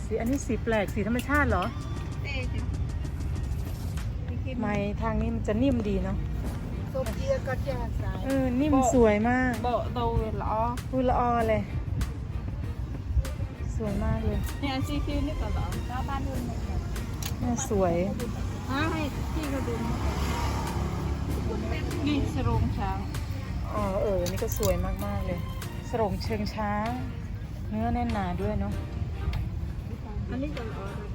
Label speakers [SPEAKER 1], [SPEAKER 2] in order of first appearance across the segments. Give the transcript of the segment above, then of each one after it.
[SPEAKER 1] สิอันนี้สีแปลกสีธรรมชาติเหรอไม้ทางนี้มันจะนิ่มดีเนาะนิ่มสวยมาก
[SPEAKER 2] โบโตละอ
[SPEAKER 1] พูดละออเลยสวยมากเลย
[SPEAKER 2] เนี่ยซีคิวนี่ก็หรอหน้าบ้านนู่น
[SPEAKER 1] น่าสวย
[SPEAKER 2] ให้ที่เขาดูนี่สรงช้าง
[SPEAKER 1] นี่ก็สวยมากๆเลยสรงเชิงช้างเนื้อแน่นหนาด้วยเนาะ
[SPEAKER 2] อันนี้ก็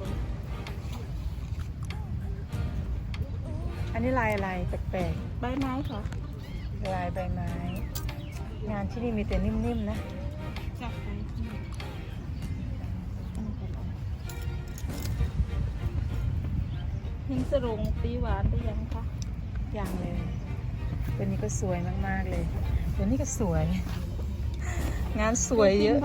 [SPEAKER 1] อันนี้ลายอะไรแปลก
[SPEAKER 2] ๆใบไม้ค่ะ
[SPEAKER 1] ลายใบไม้งานที่นี่มีแต่นิ่มๆนะ
[SPEAKER 2] จับไปหิ้งสรงตีหวานได้ยังคะ
[SPEAKER 1] ยังเลยตัวนี้ก็สวยมากๆเลยตัวนี้ก็สวยงานสวยเยอะ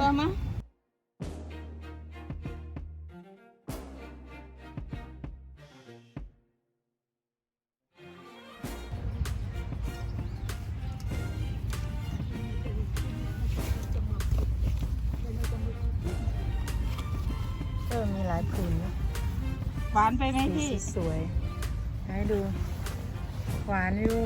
[SPEAKER 1] มีหลายผืนนะ
[SPEAKER 2] หวานไปไหมพี่
[SPEAKER 1] สวยให้ดูหวานอยู่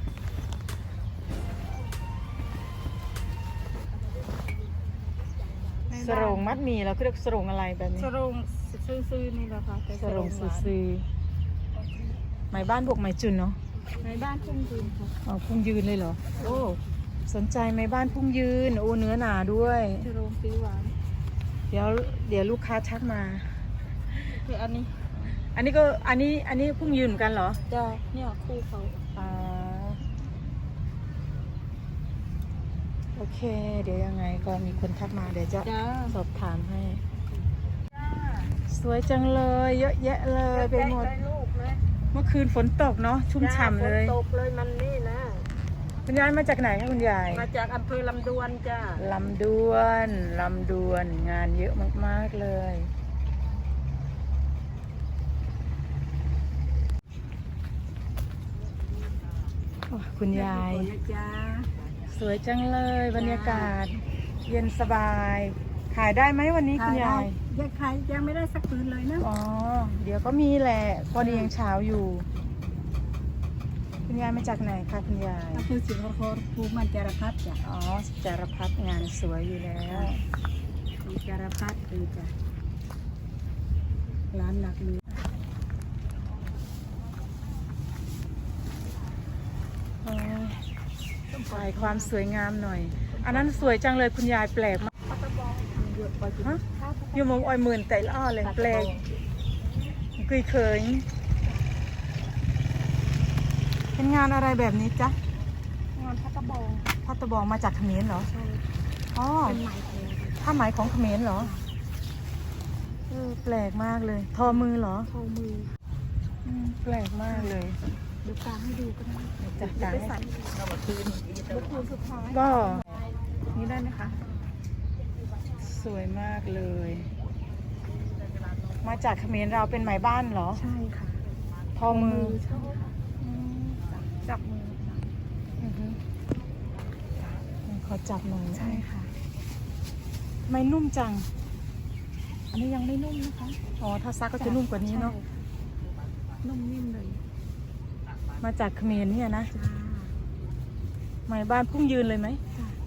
[SPEAKER 1] สรงมัดหมี่เราเรียกสรงอะไรแบบนี้
[SPEAKER 2] สรงซื้อนี่แหละค่ะ
[SPEAKER 1] สรงซื้อไหมบ้านบวกไหมจุนเนาะ
[SPEAKER 2] ไหมบ้านพุ่งยืนค่ะ
[SPEAKER 1] พุ่งยืนเลยเหรอโอ้สนใจไหมบ้านพุ่งยืนโอ้เนื้อหนาด้วย
[SPEAKER 2] สรงตีหวาน
[SPEAKER 1] เดี๋ยวลูกค้าทักมา
[SPEAKER 2] คืออันนี้
[SPEAKER 1] ก็อันนี้พุ่งยืนเหมือนกันเหรอ
[SPEAKER 2] จ้าเนี่ยคู่เขา
[SPEAKER 1] โอเคเดี๋ยวยังไงก็มีคนทักมาเดี๋ยวจะสอบถามให้สวยจังเลยเยอะแยะเลยไปหมดเมื่อคืนฝนตกเนาะชุ่มฉ่ำเลย
[SPEAKER 2] ฝนตกเลยมันนี่นะ
[SPEAKER 1] คุณยายมาจากไหนคะคุณยาย
[SPEAKER 2] มาจากอำเภอลำดวนจ้า
[SPEAKER 1] ลำดวนงานเยอะมากๆเลยคุณยายสวยจังเลยบรรยากาศเย็นสบายขายได้ไหมวันนี้คุณยาย
[SPEAKER 2] ยังไม่ได้สักคืนเลยนะ
[SPEAKER 1] เดี๋ยวก็มีแหละพอดียังเช้าอยู่คุณยายมาจากไหนคะคุณยาย
[SPEAKER 2] คือสิงคโปร์ภูมิจารพัฒน์จ้ะ
[SPEAKER 1] จารพัฒน์งานสวยอยู่แล้ว
[SPEAKER 2] จารพัฒน์คือจ้ะร้านหลักเลย
[SPEAKER 1] ถ่ายความสวยงามหน่อยอันนั้นสวยจังเลยคุณยายแปลกมากอยู่มงอ้อยหมื่นแต่ละเลยแปลกเคยเป็นงานอะไรแบบนี้จ๊ะ
[SPEAKER 2] งานพัต
[SPEAKER 1] ตะบองมาจากเขมรเหรอ
[SPEAKER 2] ใช่
[SPEAKER 1] เป็นไหมผ้าไหมของเขมรเหรอแปลกมากเลยทอมือเหรอ
[SPEAKER 2] ทอมือ
[SPEAKER 1] แปลกมากเลย
[SPEAKER 2] ดูกลางให้ดูกันนะ
[SPEAKER 1] จัดการ
[SPEAKER 2] ให้คืนสุดท้าย
[SPEAKER 1] ก็นี่ได้ไหมคะสวยมากเลยมาจากเขมรเราเป็นไหมบ้านเหรอ
[SPEAKER 2] ใช่ค่ะ
[SPEAKER 1] ทอมือ
[SPEAKER 2] จับมือ
[SPEAKER 1] ขอจับหน่อย
[SPEAKER 2] ใช่ค่ะ
[SPEAKER 1] ไม่นุ่มจังอันนี้ยังไม่นุ่มนะคะถ้าซักก็จะนุ่มกว่านี้เนาะ
[SPEAKER 2] นุ่มนิ่มเลย
[SPEAKER 1] มาจากเขมรเนี่ยนะไหมบ้านพุ่งยืนเลยไหม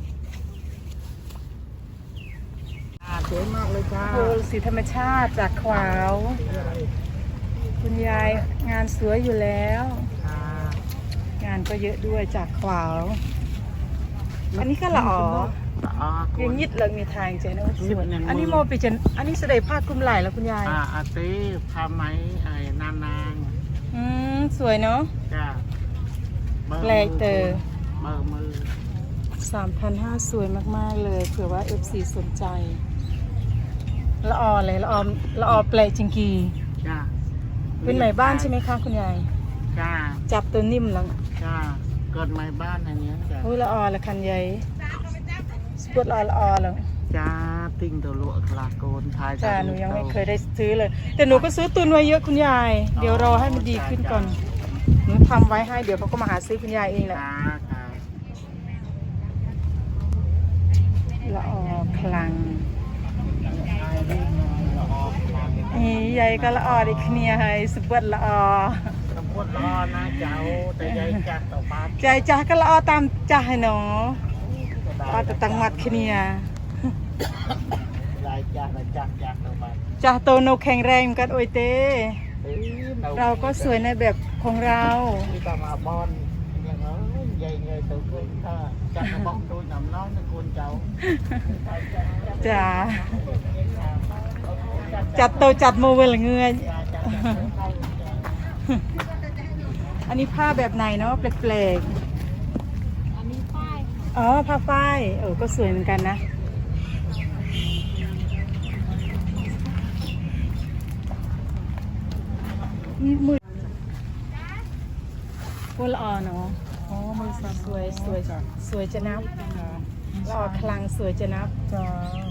[SPEAKER 2] สวยมากเลยจ้า
[SPEAKER 1] สีธรรมชาติจากขวาวคุณยายงานสวยอยู่แล้วงานก็เยอะด้วยจากขวาวอันนี้ก็ละยังยิดเลยมีทางใจนะสวยอันนี้โมปิจันอันนี้เสด็จผ้าคลุมไหล่แล้วคุณยาย
[SPEAKER 2] อาตีผ้าไหมนาง
[SPEAKER 1] สวยเนาะ
[SPEAKER 2] จ้า
[SPEAKER 1] แปลกเตอ
[SPEAKER 2] มือ
[SPEAKER 1] 3,500สวยมากๆเลยเผื่อว่า FC สนใจละอเลยละอแปลกจริงกี
[SPEAKER 2] จ้า
[SPEAKER 1] เป็นไหมบ้านใช่ไหมคะคุณยาย
[SPEAKER 2] จ้า
[SPEAKER 1] จับตัวนิ่มแล้ว
[SPEAKER 2] จ้าเกิดไหมบ้านอันนี้จ้า
[SPEAKER 1] ละอละคันใหญ่สปวดละอแล้ว
[SPEAKER 2] จ้าติ่งตัวลวกลาโกนทาย
[SPEAKER 1] จ้าหนูยังไม่เคยได้ซื้อเลยแต่หนูก็ซื้อตุนไว้เยอะคุณยายเดี๋ยวรอให้มันดีขึ้นก่อนหนูทำไว้ให้เดี๋ยวเขาก็มาหาซื้อคุณยายเองแหละละอคลังใหญ่ก็ละออดิคเนียให้สุบดละออ
[SPEAKER 2] ตำบลรอนะเจ้าแต่ยายจัดต่อบ้าน
[SPEAKER 1] ใจจ้าก็ละออตามจ้าให้หนอออแต่ตังหมัดคเนีย
[SPEAKER 2] ยายจัดต่อบ้าน
[SPEAKER 1] จ้าโตโนแข็งแรงกันโอยเต้
[SPEAKER 2] เอ้ย
[SPEAKER 1] เราก็สวยในแบบของเรา
[SPEAKER 2] ที่ตามาบอลอย่างเอ้ยใหญ่เงยตัวขึ้นถ้าจัดกระบอกตัวหนำน้อยตะกูลเจ้า
[SPEAKER 1] จ้าจัดโตจัดโมเวลเงยอันนี้ผ้าแบบไหนเนาะแปลกๆอันนี้ฝ้ายอ๋อผ้าฝ้ายก็สวยเหมือนกันนะมือพวกละออเนาะอ๋อมือสวยสวยสวยจะนับละออคลังสวยจะนับจ้า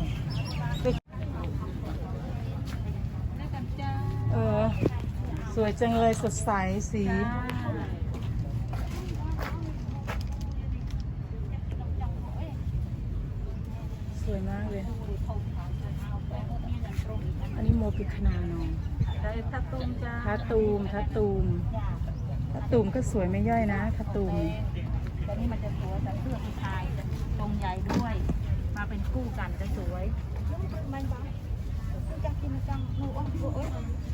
[SPEAKER 1] สวยจังเลยสดใสสีสวยมากเลยอันนี้โมปิคนาเนาะทัตูมจ้าทัตูมก็สวยไม่ย่อยนะทัตูม
[SPEAKER 3] แต่นี่มันจะสวยแต่เสื้อผู้ชายจะตรงใหญ่ด้วย มาเป็นคู่กันจะสวยมันบ้าจะกินจังหนูโอ้ย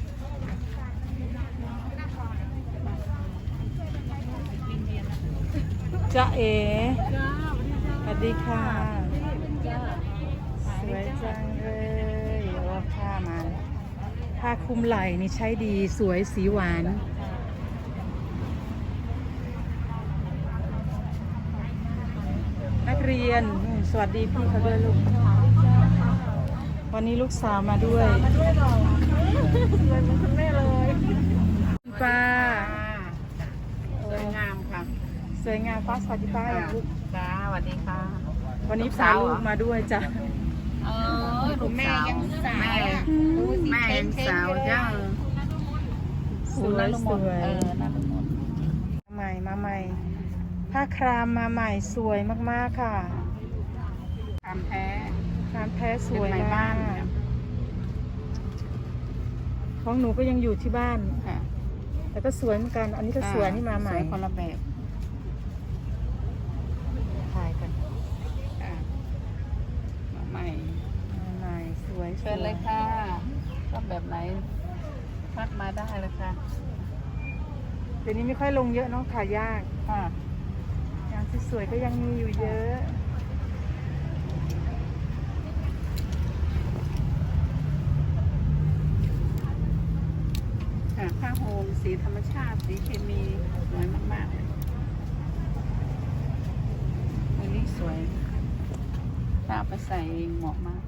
[SPEAKER 1] จ้าเอ๋สวัสดีค่ะสวยจังเลยว่าผ้ามาผ้าคลุมไหล่นี่ใช้ดีสวยสีหวานนักเรียนสวัสดีพี่เขาด้วยลูกวันนี้ลูกสาวมาด้วยเลยเหมือนคุณแม่เลยป้า
[SPEAKER 2] สวยงามค่ะ
[SPEAKER 1] สวยงามป้าสวัสดีป้าอย่างลูก
[SPEAKER 2] จ้าสวัสดีค่ะ
[SPEAKER 1] วันนี้พาลูกมาด้วยจ้ะ
[SPEAKER 3] คุณแม่ยังสาว
[SPEAKER 2] แม่ยังสาวจ้า
[SPEAKER 1] สวยสวย
[SPEAKER 3] นั่นหมด
[SPEAKER 1] มาใหม่ผ้าครามมาใหม่สวยมากๆค่ะ
[SPEAKER 2] ทำแท้
[SPEAKER 1] ครามแท้สวย
[SPEAKER 2] เป็นไหม
[SPEAKER 1] มา
[SPEAKER 2] บ้าก น
[SPEAKER 1] ของหนูก็ยังอยู่ที่บ้าน
[SPEAKER 2] ค่ะ
[SPEAKER 1] แต่ก็สวยเหมือนกัน อันนี้ก็สวยนี่มาใหม่
[SPEAKER 2] สวยคนละแบบ
[SPEAKER 1] ถ่ายกัน
[SPEAKER 2] ค่ะมาใหม่
[SPEAKER 1] มาใหม่สวย
[SPEAKER 2] เชิญเลยค่ะชอบแบบไหนพักมาได้เลยค่ะ
[SPEAKER 1] เดี๋ยวนี้ไม่ค่อยลงเยอะเนาะขายยาก
[SPEAKER 2] ค่ะ
[SPEAKER 1] งานสวยๆก็ยังมีอยู่เยอะ
[SPEAKER 2] ค่ะผ้าโฮมสีธรรมชาติสีเคมีสวยมากๆเลยอันนี้สวยถ้าเอาไปใส่เองเหมาะมาก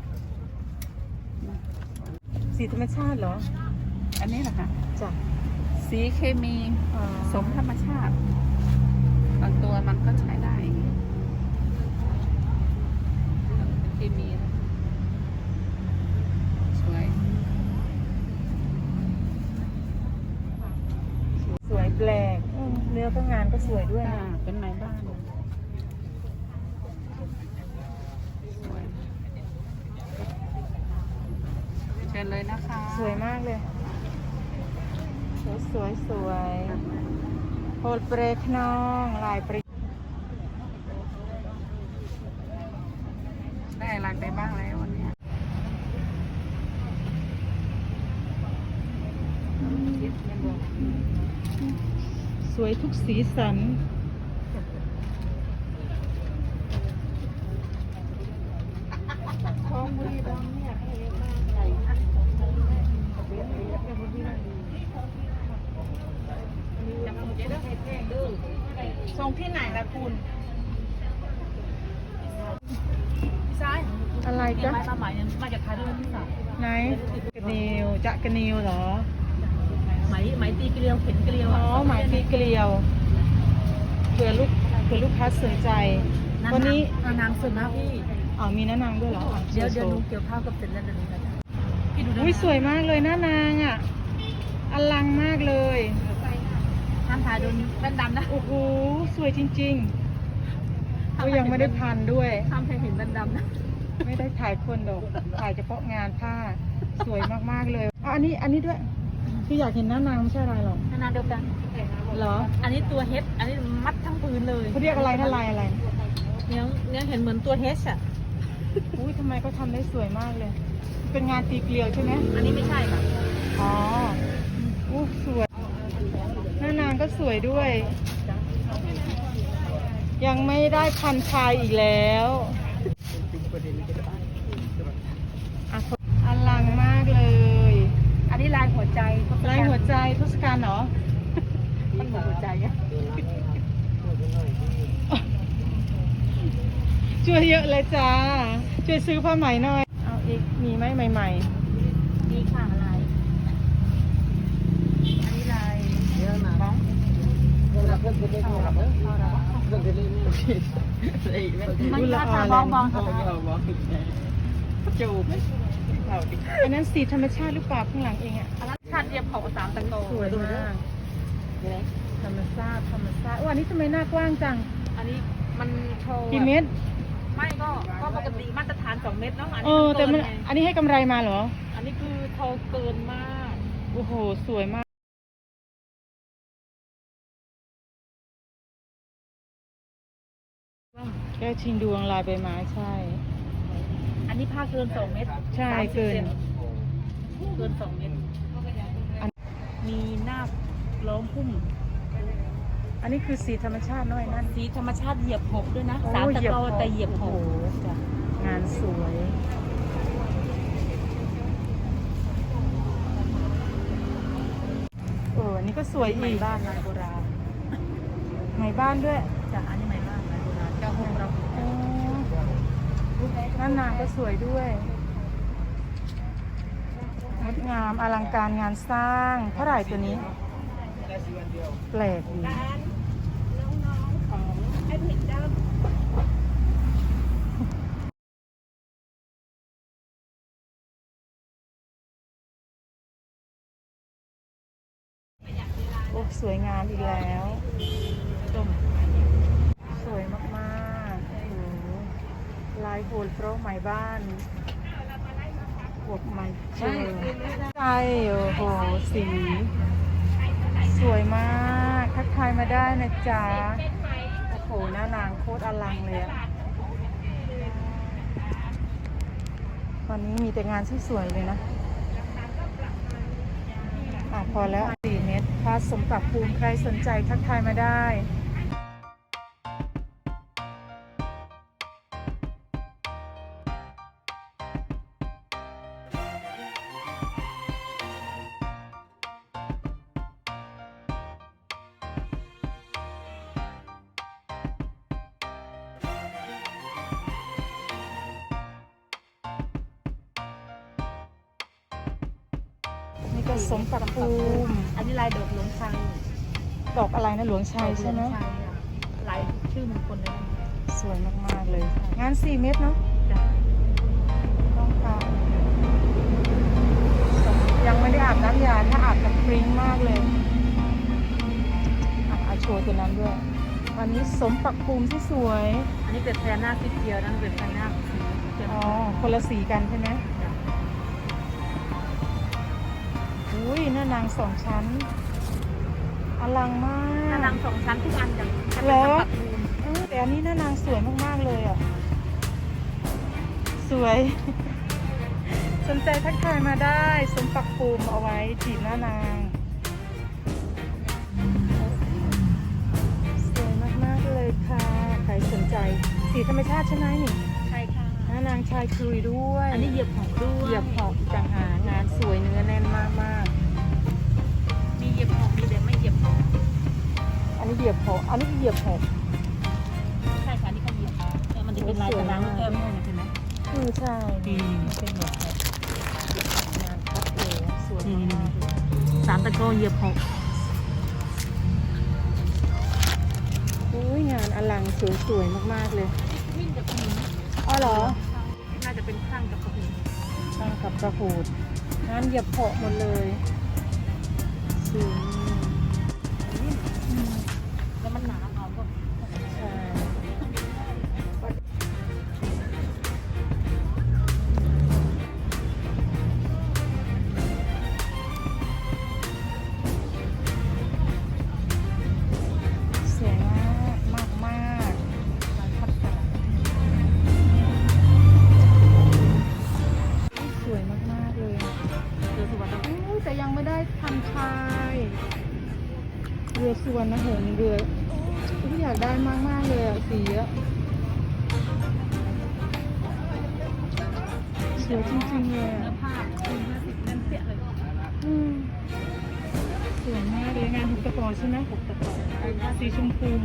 [SPEAKER 1] สีธรรมชาติเหรอ
[SPEAKER 2] อันนี้แหละค่ะ
[SPEAKER 1] จ้ะ
[SPEAKER 2] สีเคมี
[SPEAKER 1] อ๋อ
[SPEAKER 2] สมธรรมชาติ บางตัวมันก็ใช้ได้เคมีนะสวย
[SPEAKER 1] สวยแปลกเนื้อก็งานก็สวยด้วย
[SPEAKER 2] ค่ะ
[SPEAKER 1] นะ
[SPEAKER 2] เป็นไม้บ้านสวยเชิญเลยนะคะ
[SPEAKER 1] สวยมากเลย สวยโพลเปรคน้องลายปริ
[SPEAKER 2] ได้รักได้บ้างแล้ววันเนี้ย
[SPEAKER 1] สวยทุกสีสันส่งที่ไหนล่ะคุณอะไร
[SPEAKER 3] มี
[SPEAKER 1] จ๊ะ
[SPEAKER 3] ไม้มาใหม่มาจากไทยด้วยพี่สาว
[SPEAKER 1] ไหนกระนิวจะกระนิวเหรอ
[SPEAKER 3] ไหมตีเกลียวเข็นเกลียว
[SPEAKER 1] อ๋อหมายปีเกลียวเผื่อลูกค้าสนใจ วันนี้
[SPEAKER 3] นางสุดนะพี่
[SPEAKER 1] อ๋อมีน้านางด้วยเหรออ๋อ
[SPEAKER 3] เดี๋ยว
[SPEAKER 1] โช
[SPEAKER 3] หนู
[SPEAKER 1] ว์
[SPEAKER 3] เกี่ยวข้าวกับเสร็จแล้วเดี๋ยวหนูจะพี่ดู
[SPEAKER 1] อุ้ยสวยมากเลยน้านางอ่ะอลังมากเลย
[SPEAKER 3] ห้ามถ่ายโดนแว่นดำนะ
[SPEAKER 1] โอ้โหสวยจริงๆก็ยังไม่ได้พันด้วย
[SPEAKER 3] ห้ามให้เห็นแว่นดำนะ
[SPEAKER 1] ไม่ได้ถ่ายคนดอกถ่ายเฉพาะงานผ้าสวยมากๆเลยอ๋ออันนี้ด้วยคืออยากเห็นหน้านางไม่ใช่อะไรหรอก
[SPEAKER 3] นานาเดียวกัน
[SPEAKER 1] เหรอ
[SPEAKER 3] อันนี้ตัวเฮดอันนี้มัดทั้งพื้นเลย
[SPEAKER 1] เขาเรียกอะไรนะลายอะไร
[SPEAKER 3] เนี้ยเห็นเหมือนตัวเฮดอ่ะ
[SPEAKER 1] อุ้ยทำไมเขาทำได้สวยมากเลย เป็นงานตีเกลียวใช่ไหม
[SPEAKER 3] อันนี้ไม่ใช่ค่ะ
[SPEAKER 1] อ๋ออู้สวยหน้านางก็สวยด้วย ยังไม่ได้พันชายอีกแล้วอลังมากเลย
[SPEAKER 3] อันนี้ลายหัวใจ
[SPEAKER 1] ลายหัวใจทศกัณฐ์เหรอ
[SPEAKER 3] มันเหมือนหัวใจอ่ะ
[SPEAKER 1] ช่วยเยอะเลยจ้า ช่วยซื้อผ้าไหมหน่อย เอาอีก มีไหมใหม่
[SPEAKER 3] นี่ค่ะลายอันนี้ลาย
[SPEAKER 2] เยอะนะ
[SPEAKER 3] บ้อง
[SPEAKER 2] เราเพิ่งจะได้เข้าหรอเพิ่งจะได้นี่
[SPEAKER 3] มันก็ทำบ้องบ้องค่ะ
[SPEAKER 2] จูบ
[SPEAKER 1] ๆ อันนั้นสีธรรมชาติหรือเปล่าข้างหลังเองอะ
[SPEAKER 3] อันนั้นชาติเรียบเผาสามตะโก
[SPEAKER 1] สวยมากธรรมชาติวันนี้ทำไมหน้ากว้างจัง
[SPEAKER 3] อันนี้มันโชว์
[SPEAKER 1] กี่เมตร
[SPEAKER 3] ไม่ก็ปกติมาตรฐาน2 เมตรเนาะอัน
[SPEAKER 1] เอ
[SPEAKER 3] นี้
[SPEAKER 1] อ แต่มัน
[SPEAKER 3] เกิไง
[SPEAKER 1] อันนี้ให้กำไรมาเหรอ
[SPEAKER 3] อันนี้คือโทรเกินมาก
[SPEAKER 1] โอ้โห สวยมาก แก้วชิงดวงลายใบไม้ใช่
[SPEAKER 3] อันนี้ผ้าเกิน2 เมตร
[SPEAKER 1] ใช่
[SPEAKER 3] 30
[SPEAKER 1] เกิน
[SPEAKER 3] ซเกิน2 เมตร มีหน้าล้อมพุ่ม
[SPEAKER 1] อันนี้คือสีธรรมชาติน้อยนั่น
[SPEAKER 3] สีธรรมชาติเหยียบหกด้วยนะ
[SPEAKER 1] โอ้
[SPEAKER 3] สามตะโกแต่เหยียบห
[SPEAKER 1] โอ้
[SPEAKER 3] ก
[SPEAKER 1] โหจ้ะงานสวย อันนี้ก็สวย
[SPEAKER 3] ไหม
[SPEAKER 1] อีก
[SPEAKER 3] บ้านลายโบราณ
[SPEAKER 1] ไหมบ้านด้วย
[SPEAKER 3] จากอันนี้ไหมบ้านลายโบราณเจ้าหงเรา
[SPEAKER 1] อ๋อด้านนางก็สวยด้วยงดงามอลังการงานสร้างเท่าไหร่ตัวนี้ แปลกดี
[SPEAKER 3] น้องๆของไอ้ผิดเจ้า
[SPEAKER 1] โอ้สวยงามอีกแล้วส้มสวยมากๆโอ้โหลายโหดเพราะไหมบ้านบวกไหมเจอใช่โอ้โหสี สวยมากทักทายมาได้นะจ๊ะโอ้โหหน้านางโคตรอลังเลยอะวันนี้มีแต่งานสวยๆเลยนะพอแล้ว4 เมตรพาสมปรับภูมิใครสนใจทักทายมาได้ นี่ก็สมปรับภูมิ
[SPEAKER 3] อันนี้ลายดอกหลวงชัย
[SPEAKER 1] ดอกอะไรนะหลวงชัยใช่ไหม
[SPEAKER 3] ดอกลวงชัยอะลายชื่อมงคลเลยนะ
[SPEAKER 1] สวยมากๆเลย งาน4 เมตรเนาะ
[SPEAKER 3] จ้ะ
[SPEAKER 1] ต้องการยังไม่ได้อาบน้ำยาถ้าอาบกับปริ้งมากเลยเอาโชว์ตัวนั้นด้วย วันนี้สมปรับภูมิที่สวย
[SPEAKER 3] อันนี้เป็นแพรหน้าสีเขียวนั่นเป็นแพรหน้าสีเขียว
[SPEAKER 1] อ๋อ คนละสีกันใช่ไหม
[SPEAKER 3] จ้ะ
[SPEAKER 1] อุ้ยหน้านาง2 ชั้น อลังมา
[SPEAKER 3] หน้าก นาง2 ชั้นทุกอันจ้ะแค่
[SPEAKER 1] เหร
[SPEAKER 3] เป็น
[SPEAKER 1] อ
[SPEAKER 3] สมบัติภูมิ
[SPEAKER 1] แต่อันนี้หน้านางสวยมากๆเลยอ่ะ สวย สนใจทักทายมาได้สมปักภูมิเอาไว้จีบหน้านาง สวยมากๆเลยค่ะ ใครสนใจ สีธรรมชาติใช่ไหมนี่
[SPEAKER 3] ใช่ค่ะ
[SPEAKER 1] หน้านางชายคุยด้วย
[SPEAKER 3] อันนี้เหยียบหกด้วย
[SPEAKER 1] เหยียบหอกต่างหากงานสวยเนื้อแน่นมาก
[SPEAKER 3] มีเหยียบหกมีแบบไม่เหยียบหก
[SPEAKER 1] ๆ อันนี้เหยียบหอกอันนี้เหยียบหอก
[SPEAKER 3] ใช่ค่ะอันนี่เขาเหยียบมันจะเป็นลายตารางแก้มให้เห็นไหม
[SPEAKER 1] ใช่เป็นเหยียบหอกงานคัดเลยสวยมากๆเลย
[SPEAKER 3] สามตะโกเหยียบหก
[SPEAKER 1] อุ้ยงานอลังสวยๆมากๆเลย
[SPEAKER 3] วิ่งกับหิน
[SPEAKER 1] อ๋อเหรอ
[SPEAKER 3] น่าจะเป็นข้างกับหิน
[SPEAKER 1] ช่างกับกระหูดงานเหยียบเพาะหมดเลยสวย
[SPEAKER 3] แล้วมันหนาเอาก็
[SPEAKER 1] ใช่พันชายเรือสุวรรณหงส์เรืออุ๊ยอยากได้มากๆเลยอะสีอะสวยจริงๆเลยอะ
[SPEAKER 3] เนื้อผ้า50เล่มเปี้ยเลย
[SPEAKER 1] อืมสวยมากเลยงานหุบตะกอนใช่ไหมหุบตะกอนสีชมพู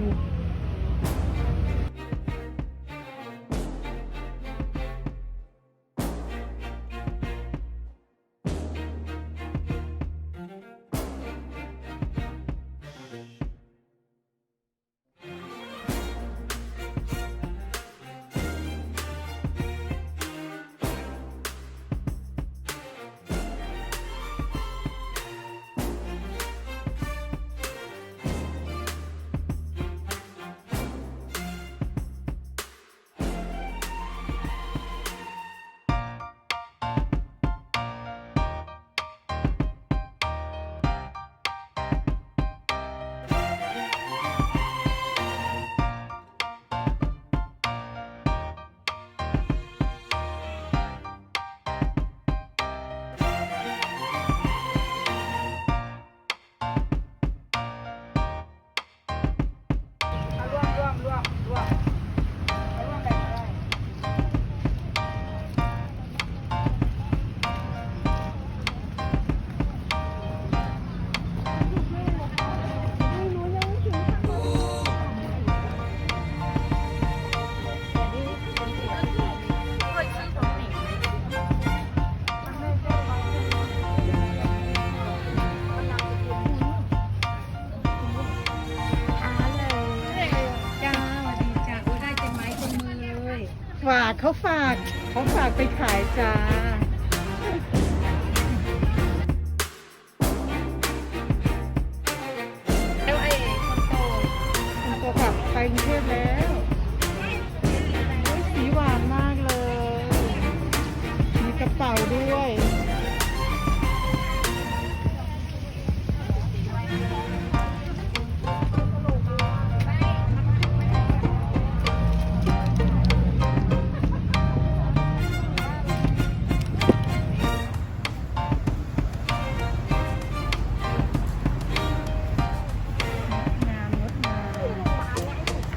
[SPEAKER 1] เขาฝากไปขายจ้า
[SPEAKER 3] แล้วไอ้คนโต
[SPEAKER 1] คนโตกลับไปกรุงเทพแล้วโอ้ยสีหวานมากเลย มีกระเป๋าด้วย งามงดงาม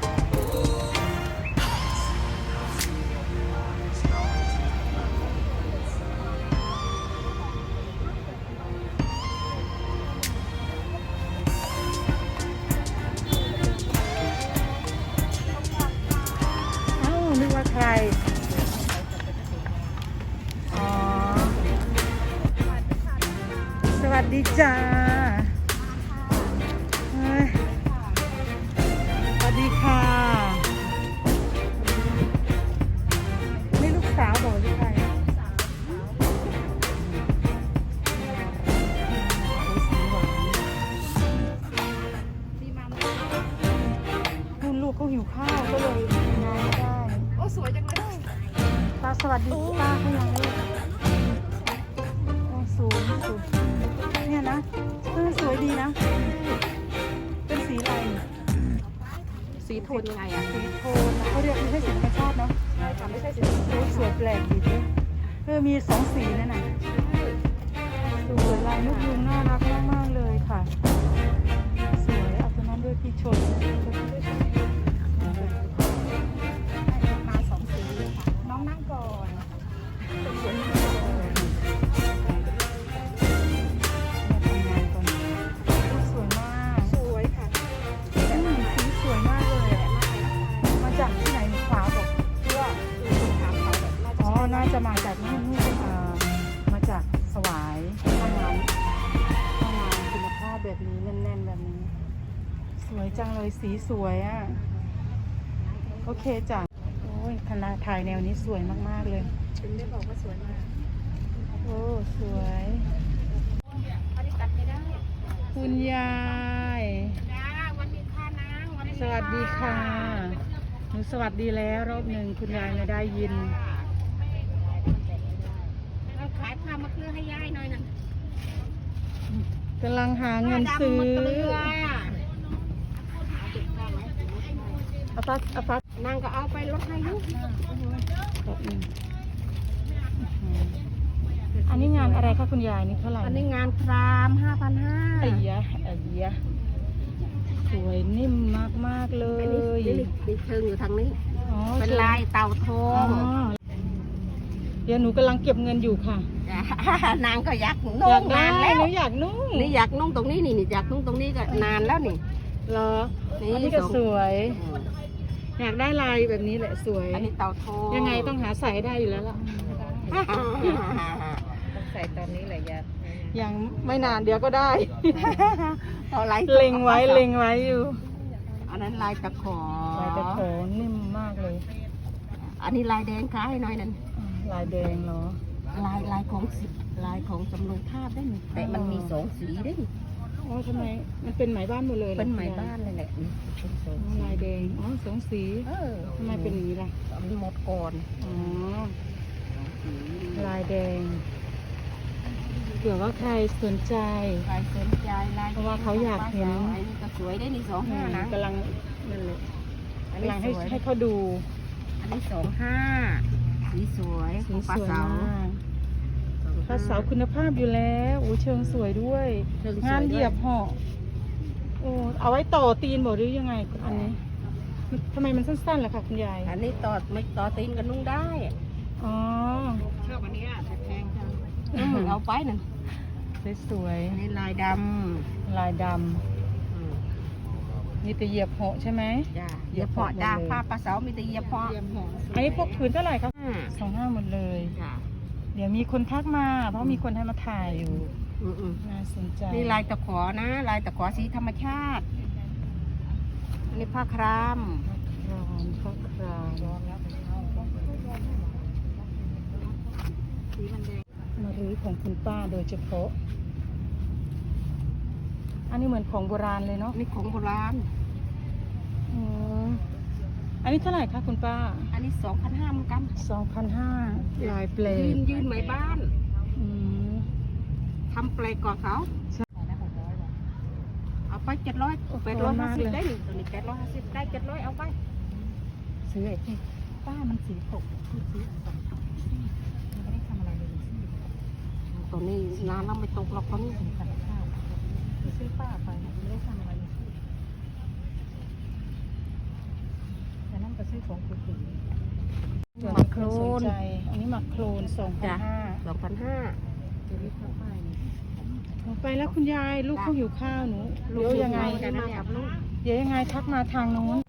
[SPEAKER 1] เอ้านึกว่าใคร อ๋อ สวัสดีจ้าเฮ้ยสวัสดีค่ะ นี่ลูกสาวบอกหรือใครโอ้ยสีหวานคุณลูกเขาหิวข้าวก็เลยงานไม่ได้
[SPEAKER 3] โอ้สวยจังเลย
[SPEAKER 1] ป้าสวัสดีป้าเขายังไม่โอ้สูงสูงเนี่ยนะสวยดีนะ เป็นสีอะไร
[SPEAKER 3] สีโทนยังไงอ่ะ
[SPEAKER 1] สีโทนนะเขาเรียกไม่ใช่สีธรรมชาติเนาะ
[SPEAKER 3] ใช่ค่ะไม่ใช่สี
[SPEAKER 1] สวยแปลกดีด้วยมีสองสีนั่นน่ะสวยลายนกยุงน่ารักมากๆเลยค่ะ สวยเอาตัวนั้นด้วยพี่ชน
[SPEAKER 3] มา2สีค่ะน้องนั่งก่อน
[SPEAKER 1] มาทำงานก่อนสวยมาก
[SPEAKER 3] สวยค่ะ
[SPEAKER 1] สีสวยมากเลยอะมาจากที่ไหนขวาบอก
[SPEAKER 3] เพื่อคือคนถามเขาแบบน่าจะ
[SPEAKER 1] อ๋อ น่าจะมาจากนู่นมาจากสวายทำงานคุณภาพแบบนี้แน่นๆแบบนี้ สวยจังเลยสีสวยอ่ะ โอเคจ้ะ โอ้ยคณะถ่ายแนวนี้สวยมากๆเลย
[SPEAKER 3] ถึงได้บอกว่าสวยมาก
[SPEAKER 1] โอ้ สวย
[SPEAKER 3] อันนี้ตัดไม่ได้
[SPEAKER 1] คุณยาย
[SPEAKER 3] จ้าวันดีค่ะนางวัน
[SPEAKER 1] สวัสดีค่ะ หนูสวัสดีแล้วรอบหนึ่งคุณยายไม่ได้ยิน
[SPEAKER 3] เราขายผ้ามะเขือให้ยายหน่อยนะ
[SPEAKER 1] กำลังหาเงินซื้อ
[SPEAKER 3] มะเขือ
[SPEAKER 1] เอาฟัก
[SPEAKER 3] นางก็เอาไปลดให้อยุ
[SPEAKER 1] แบบนี้อันนี้งานอะไรคะคุณยายนี่เท่าไหร่
[SPEAKER 3] อันนี้งานคราม5,500
[SPEAKER 1] ไอ้ยะสวยนิ่มมากๆเล
[SPEAKER 3] อันนี้
[SPEAKER 1] ย
[SPEAKER 3] นี่เชิงอยู่ทางนี้
[SPEAKER 1] อ๋อ
[SPEAKER 3] เป็นลายเต่าทอ
[SPEAKER 1] อ๋อง เดี๋ยวหนูกำลังเก็บเงินอยู่ค่ะ
[SPEAKER 3] นางก็อยาก
[SPEAKER 1] อ
[SPEAKER 3] นุ่
[SPEAKER 1] ยาง กได้
[SPEAKER 3] นานแล้ว
[SPEAKER 1] หนูอยากนุ่ง
[SPEAKER 3] นี่อยากนุ่งตรงนี้นี่อยากนุ่งตรงนี้ก็นานแล้วนี่
[SPEAKER 1] เหรอ
[SPEAKER 3] นี่
[SPEAKER 1] อันนี้ก็
[SPEAKER 3] ส่ง
[SPEAKER 1] สวย อยากได้ลายแบบนี้แหละสวย
[SPEAKER 3] อันนี้เต่าทอง
[SPEAKER 1] ยังไงต้องหาใส่ได้อยู่แล้วล่ะ
[SPEAKER 3] ต้องใส่ตอนนี้แหละยา
[SPEAKER 1] ยังไม่นานเดี๋ยวก็ได้
[SPEAKER 3] ต่อไหล
[SPEAKER 1] เล็งไว้อยู่
[SPEAKER 3] อันนั้นลายตะขอ
[SPEAKER 1] ลายตะโขนนิ่มมากเลย
[SPEAKER 3] อันนี้ลายแดงค้าให้หน้อยนั่น
[SPEAKER 1] ลายแดงเหรอ
[SPEAKER 3] ลายของสิลายของจำลองภาพได้นี่แต่มันมี2 สีได้นี่
[SPEAKER 1] อ๋อทำไมมันเป็นไหมบ้านหมดเลยรอ
[SPEAKER 3] เป็นไหมบ้านเลยแหละนี่เป็นสอง
[SPEAKER 1] อ๋อลายแดงอ๋อสองสี
[SPEAKER 3] เออ
[SPEAKER 1] ทำไมเป็นอย่างนี้ล่ะ
[SPEAKER 3] มันหมดก่อน
[SPEAKER 1] อ๋อลายแดงเผื่อว่าใครสนใจ
[SPEAKER 3] ลายสนใจลาย
[SPEAKER 1] เพราะว่าเขาอยากเห็น
[SPEAKER 3] อันนี้ก็สวยได้นี่25นะ
[SPEAKER 1] กำลังนั่นแหละ
[SPEAKER 3] อัน
[SPEAKER 1] กำ
[SPEAKER 3] นี้
[SPEAKER 1] ลัง
[SPEAKER 3] สวย
[SPEAKER 1] ให้เขาดู
[SPEAKER 3] อันนี้25สีสวย
[SPEAKER 1] สี
[SPEAKER 3] ของปลา
[SPEAKER 1] สวย
[SPEAKER 3] เสาม
[SPEAKER 1] ากภาษาคุณภาพอยู่แล้วโอ้เชิงสวยด้วย
[SPEAKER 3] เชิงสวยด้วย
[SPEAKER 1] งานเหยียบห่อโอ้เอาไว้ต่อตีนบอกหรือยังไงอันนี้ทำไมมันสั้นๆล่ะคะคุณยาย
[SPEAKER 3] อันนี้ต่อไม่ต่อตีนกันนุ่งได้
[SPEAKER 1] อ๋อ
[SPEAKER 3] ชอบอันนี้แต่แพงจังเอาไปหนึ่ง
[SPEAKER 1] สวย
[SPEAKER 3] อันนี้ลายด
[SPEAKER 1] ๆลายด
[SPEAKER 3] ำ
[SPEAKER 1] ำนี่จะเหยียบห่อใช่ไหม
[SPEAKER 3] จ้าเหยียบเพาะจ้า
[SPEAKER 1] เหยียบเพาะ
[SPEAKER 3] ผ้าปลาเสามีแต่เหยียบเพาะ
[SPEAKER 1] อันนี้พวกผืนเท่าไหร่ครับ25หมดเลย
[SPEAKER 3] จ้า
[SPEAKER 1] เดี๋ยวมีคนทักมา เพราะมีคนให้มาถ่ายอยู่ น่าสนใจ
[SPEAKER 3] นี่ลายตะขอนะ ลายตะขอสีธรรมชาติ อันนี้ผ้าคราม
[SPEAKER 1] ครามข้าวคราม
[SPEAKER 3] สีมันแดง
[SPEAKER 1] มารื้อของคุณป้าโดยเฉพาะ อันนี้เหมือนของโบราณเลยเนาะ
[SPEAKER 3] อันนี้ของโบราณ
[SPEAKER 1] อืมอันนี้เท่าไหร่คะคุณป้า
[SPEAKER 3] อันนี้2,500เหมือนกัน
[SPEAKER 1] 2,500ลายเปล
[SPEAKER 3] ยืนไหมบ้าน
[SPEAKER 1] อืม
[SPEAKER 3] ทำเปลก่อนเขา
[SPEAKER 1] ใช่
[SPEAKER 3] เอาไป700 850ได้หนึ่งตัวนี้850ได้700เอาไป
[SPEAKER 1] ซื้อไอ้ที่
[SPEAKER 3] ป้ามันสีตกสีตกไม่ได้ทำอะไรเลยตัวนี้น้ำเราไม่ตกหรอกตอนนี้ถึงขันข้าวซื้อป้าไปไม่ได้ทำอะไรเลยแต่นั่นก็ซื้อของคุณ
[SPEAKER 1] ส่วน
[SPEAKER 3] หมักโคล
[SPEAKER 1] ส
[SPEAKER 3] น
[SPEAKER 1] นใจอันนี้หมักโคลน
[SPEAKER 3] จ้ะ
[SPEAKER 1] 2,500
[SPEAKER 3] 2,500ตัวนี้เข้าไป
[SPEAKER 1] ไปแล้วคุณยายลูกเขาหิวข้าวหนูเดี๋ยวยังไง
[SPEAKER 3] กันนะเนี่ยลูก
[SPEAKER 1] เดี๋ยวยังไงทักมาทางนู้น